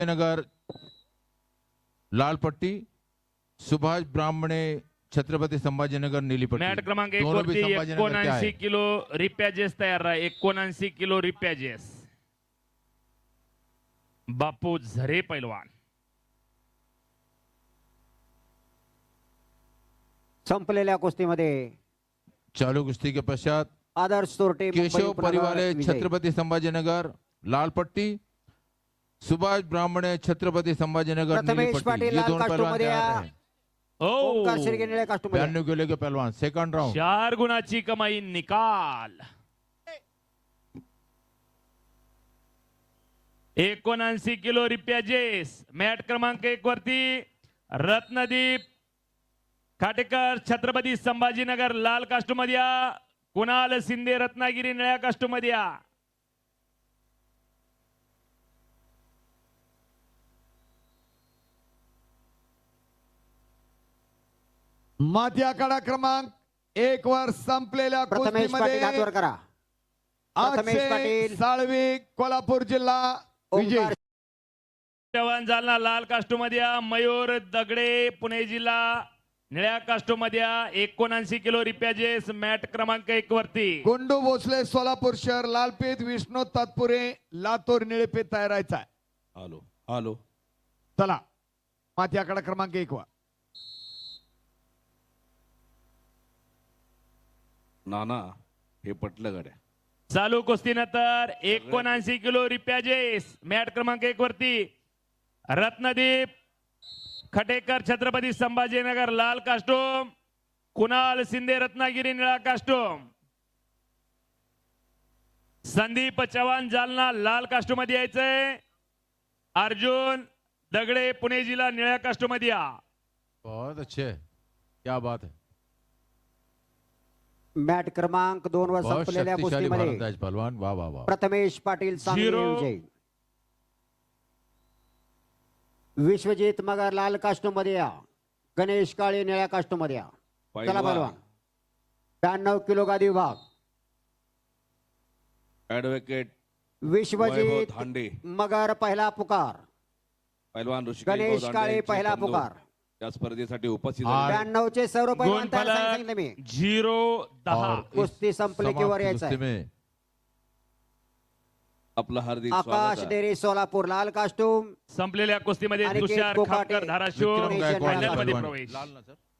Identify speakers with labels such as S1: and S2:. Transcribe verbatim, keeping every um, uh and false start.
S1: नगर लाल पट्टी, सुभाष ब्राह्मणे छत्रपती संभाजीनगर नीली पट्टी।
S2: मॅट क्रमांक एक
S1: दोनों भी
S2: वरती
S1: संभाजीनगर के
S2: एकोणऐंशी
S1: आहे।
S2: किलो रिपॅजेस तयार आहे। एकोणऐंशी किलो रिपॅजेस बापू झरे पैलवान।
S3: संपलेल्या कुस्तीमध्ये
S1: चालू कुश्ती के पश्चात
S3: आदर्श सोरटे मुंबई
S1: केशव
S3: उपनगर
S1: परिवाले
S3: विजयी।
S1: छत्रपति संभाजीनगर लाल पट्टी, सुभाष ब्राह्मणे छत्रपति संभाजीनगर नीली
S3: प्रथमेश
S1: पट्टी।
S3: पाटील
S1: ये
S3: लाल
S1: दोनों
S3: कास्टूम
S1: पहलवान
S3: मध्ये
S1: तैयार
S3: या।
S1: हैं।
S3: ओंकार
S2: ओ
S3: शिर्के निळ्या कास्टूम मध्ये।
S1: बयानवे किलो के पहलवान सेकंड राउंड।
S2: चार गुणाची कमाई निकाल। एकोणऐंशी किलो रिपॅजेस मॅट क्रमांक एक वरती रत्नदीप खाटेकर छत्रपती संभाजीनगर लाल कास्टूम मध्ये या। कुणाल शिंदे रत्नागिरी निळ्या कास्टूम मध्ये या।
S4: माती आखाडा क्रमांक एक वर संपलेल्या
S3: प्रथमेश पाटील हात वर
S4: कुस्तीमध्ये
S3: करा। प्रथमेश
S4: अक्षय
S3: पाटील
S4: साळवी कोल्हापूर जिल्हा विजय।
S3: ओंकार
S2: जवान जालना लाल कास्टूम मध्ये या। मयूर दगडे पुणे जिल्हा निळ्या कास्टूम मध्ये या। एकोणऐंशी किलो रिपॅजेस मॅट क्रमांक एक वरती
S4: गुंडू भोसले सोलापूर शहर लालपेत विष्णू तात्पुरे लातूर निळेपेत तयार राहायचा आहे।
S5: आलो आलो
S4: चला माती आखाडा क्रमांक एक वर
S5: नाना हे पटलं गड्या।
S2: चालू कुस्तीनंतर एकोणऐंशी किलो रिपॅजेस मॅट क्रमांक एक वरती रत्नदीप खटेकर छत्रपती संभाजीनगर लाल कास्टूम, कुणाल शिंदे रत्नागिरी निळा कास्टूम, संदीप चव्हाण जालना लाल कास्टूम मध्ये यायचंय। अर्जुन दगडे पुणे जिल्हा निळ्या कास्टूम मध्ये या।
S1: बहुत अच्छे, क्या बात है।
S3: मॅट क्रमांक दोन वर
S1: बहुत
S3: संपलेल्या
S1: शक्तिशाली
S3: कुस्तीमध्ये
S1: भारतराज पहलवान। वाह वाह वाह।
S3: प्रथमेश पाटील सांगली
S2: झिरो।
S3: विजयी। विश्वजित मगर लाल कास्टूम मध्ये या। गणेश काळे निळ्या कास्टूम मध्ये या। चला
S5: पैलवान.
S3: पहलवान ब्याण्णव किलो गादी विभाग
S5: ऍडव्होकेट वैभव
S3: विश्वजित
S5: धांडे
S3: मगर पहिला पुकार।
S5: पैलवान ऋषिकेश
S3: गणेश
S5: भाऊ
S3: काळे
S5: दांडे यांचे
S3: पहिला
S5: बंधू
S3: पुकार।
S5: या स्पर्धेसाठी उपस्थित
S1: आठ.
S5: झाले.
S3: ब्याण्णव चे सर्व पैलवान तयार
S2: गुणफलक
S3: सांगितलं मी।
S2: झिरो दहा।
S1: और इस
S3: कुस्ती संपली की वर
S1: समाप्त
S3: यायचं
S1: कुस्ती
S3: आहे।
S1: में
S5: आपलं हार्दिक
S3: आकाश
S5: स्वागत आहे.
S3: डेरी सोलापूर लाल कास्टूम
S2: संपलेल्या कुस्तीमध्ये
S3: अनिकेत
S2: तुषार
S3: कोकाटे,
S2: खामकर धाराशिव
S1: विक्रम गायकवाड
S2: फायनलमध्ये
S1: पहलवान।
S2: प्रवेश।
S1: लाल ना सर।